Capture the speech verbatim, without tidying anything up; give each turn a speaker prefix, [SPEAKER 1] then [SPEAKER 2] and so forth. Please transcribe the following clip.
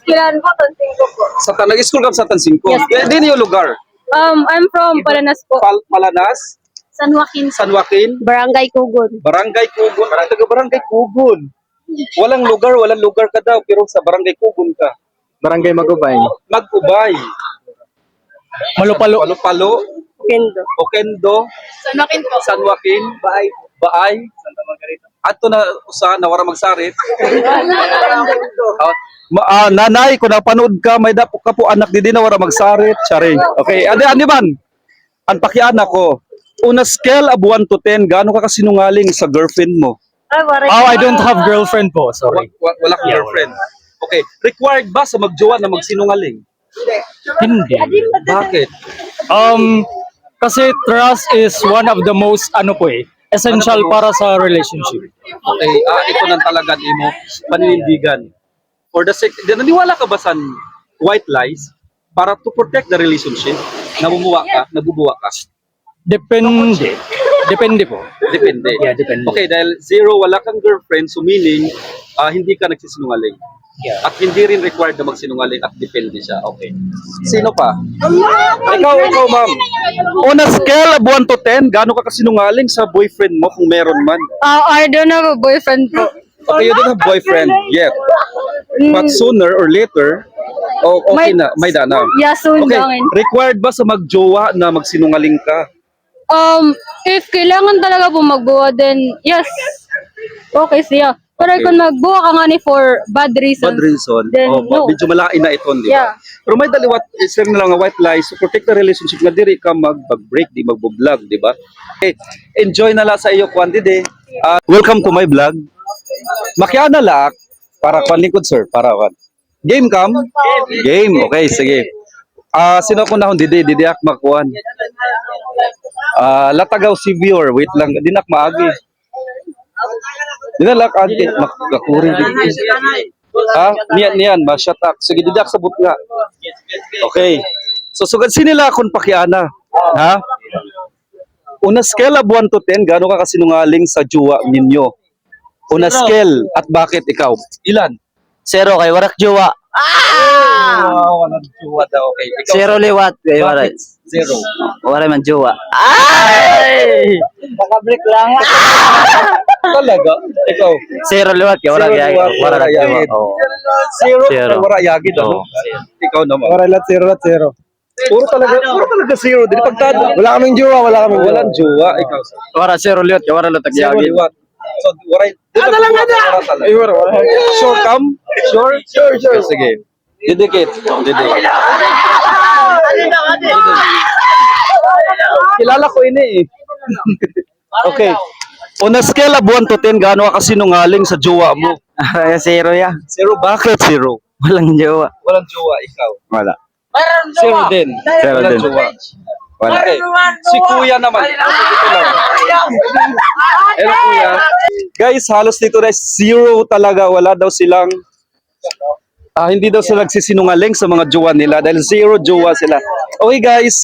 [SPEAKER 1] Esquilan po, Tansingko po.
[SPEAKER 2] Sa Tan nag-school ka sa Tansingko.
[SPEAKER 1] Yes,
[SPEAKER 2] Eh, din yung lugar.
[SPEAKER 1] Um, I'm from Palanas po.
[SPEAKER 2] Pal Palanas,
[SPEAKER 1] San Joaquin.
[SPEAKER 2] San Joaquin,
[SPEAKER 1] Barangay Kugon.
[SPEAKER 2] Barangay Kugon. Ay, taga Barangay Kugon. Walang lugar, walang lugar ka daw, pero sa Barangay Kugon ka.
[SPEAKER 3] Barangay Magubay.
[SPEAKER 2] Mag-ubay.
[SPEAKER 3] Malupalo.
[SPEAKER 2] Palo-palo,
[SPEAKER 1] Kendo.
[SPEAKER 2] Okendo,
[SPEAKER 1] San Joaquin po.
[SPEAKER 2] San Joaquin, Baay, Baay, Santa Margarita. Ato na usa na wara magsarit. Ah, ma- ah, nanay, kung napanood ka, may dapo ka po anak di na wara magsarit. Charing. Okay, andi andi man. Ang pakianak ko. Una scale of one to ten, gaano ka kasinungaling sa girlfriend mo?
[SPEAKER 1] Ay, waray.
[SPEAKER 3] Oh, I don't have girlfriend po. Sorry.
[SPEAKER 2] Wa- wa- wala kang girlfriend. Okay, required ba sa magjowa na magsinungaling?
[SPEAKER 3] Hindi.
[SPEAKER 2] Bakit?
[SPEAKER 3] Um, kasi trust is one of the most, ano po eh, essential
[SPEAKER 2] Ano po?
[SPEAKER 3] para sa relationship.
[SPEAKER 2] Okay, ah, ito nang talaga di mo paninindigan. For the sake, di- naniwala ka ba sa white lies para to protect the relationship? Namumuwa ka, nabubuwa ka.
[SPEAKER 3] Depende. Depende po.
[SPEAKER 2] Depende.
[SPEAKER 3] Yeah, depende.
[SPEAKER 2] Okay, dahil zero, wala kang girlfriend, so meaning, ah, hindi ka nagsisinungaling.
[SPEAKER 3] Yeah.
[SPEAKER 2] At hindi rin required na magsinungaling at depende siya. Okay. Sino pa? Ikaw, ikaw ma'am. On a scale of one to ten, gaano ka kasinungaling sa boyfriend mo kung meron man?
[SPEAKER 1] Uh, I don't have a boyfriend po.
[SPEAKER 2] Okay, you don't have boyfriend yet. But sooner or later, oh, okay
[SPEAKER 1] May-
[SPEAKER 2] na, may da na.
[SPEAKER 1] Yeah, soon
[SPEAKER 2] Okay,
[SPEAKER 1] lang.
[SPEAKER 2] required ba sa magjowa na magsinungaling ka?
[SPEAKER 1] Um, if kailangan talaga po magbuwa, then yes. Okay siya. Pero
[SPEAKER 2] Okay.
[SPEAKER 1] kung magbuwa ka nga ni for bad reasons,
[SPEAKER 2] Bad reason.
[SPEAKER 1] then
[SPEAKER 2] Oh,
[SPEAKER 1] no.
[SPEAKER 2] medyo malain na ito, di
[SPEAKER 1] Yeah.
[SPEAKER 2] ba? Pero may daliwat, isang na lang nga white lies to protect the relationship na diri ka mag-break, di magbo-vlog, di ba? Okay, enjoy na lang sa iyo, quantity. Uh, welcome to my vlog. Makiana lak, para kwan lingkod, sir, para kwan. Game kam? Game, okay, sige. Ah, sino ko na hon didi, didi ak makuan. Ah, latagaw si viewer, wait lang, dinak maagi. Dinalak ante makakuri dito. Ah, niyan niyan, masyatak. Sige didak sabot nga. Okay. So sugad sinila kun pakiana. Ha? Una scale of one to ten, gaano ka kasinungaling sa juwa ninyo? Una scale at bakit ikaw? Ilan?
[SPEAKER 4] Zero kay warak jowa.
[SPEAKER 2] Wow, walang juwa daw. Okay. Ikaw,
[SPEAKER 4] Zero liwat kay waray.
[SPEAKER 2] bakit? Zero.
[SPEAKER 4] Waray man jowa. Ay! Nakabrik lang.
[SPEAKER 2] Talaga? Ikaw?
[SPEAKER 4] Zero liwat kay warak
[SPEAKER 2] Zero
[SPEAKER 4] yagi.
[SPEAKER 2] liwat,
[SPEAKER 4] Warak
[SPEAKER 2] warak
[SPEAKER 4] jowa.
[SPEAKER 2] yagi.
[SPEAKER 4] Oh.
[SPEAKER 2] Zero.
[SPEAKER 4] Zero.
[SPEAKER 2] Wala yagid ano?
[SPEAKER 4] Oo, zero.
[SPEAKER 2] Ikaw naman.
[SPEAKER 3] Waray lat zero lat zero.
[SPEAKER 2] Puro talaga, puro talaga zero. Dili pagtado.
[SPEAKER 3] Wala kaming jowa, wala kaming jowa.
[SPEAKER 2] Walang juwa. Ikaw.
[SPEAKER 4] Wara zero liwat kay warak latag
[SPEAKER 2] Zero
[SPEAKER 4] yagi.
[SPEAKER 2] liwat. So, waray. Ano lang na?
[SPEAKER 3] Ay, wala, wala.
[SPEAKER 2] Sure, come? Sure? Sure, sure. Sige. Didikit. Didikit. Kilala ko ini eh. Okay. On a scale of one to ten, gaano ka kasinungaling sa jowa mo?
[SPEAKER 4] Zero ya.
[SPEAKER 2] Zero, bakit zero?
[SPEAKER 4] Walang jowa.
[SPEAKER 2] Walang jowa, ikaw.
[SPEAKER 4] Wala.
[SPEAKER 2] Zero din.
[SPEAKER 4] Zero
[SPEAKER 2] Walang
[SPEAKER 4] din.
[SPEAKER 2] jowa.
[SPEAKER 4] Wala.
[SPEAKER 2] Okay. Si kuya naman. Ito lang. Pero kuya, guys, halos dito na zero talaga. Wala daw silang, ah, hindi daw sila nagsisinungaling sa mga jowa nila dahil zero jowa sila. Okay guys,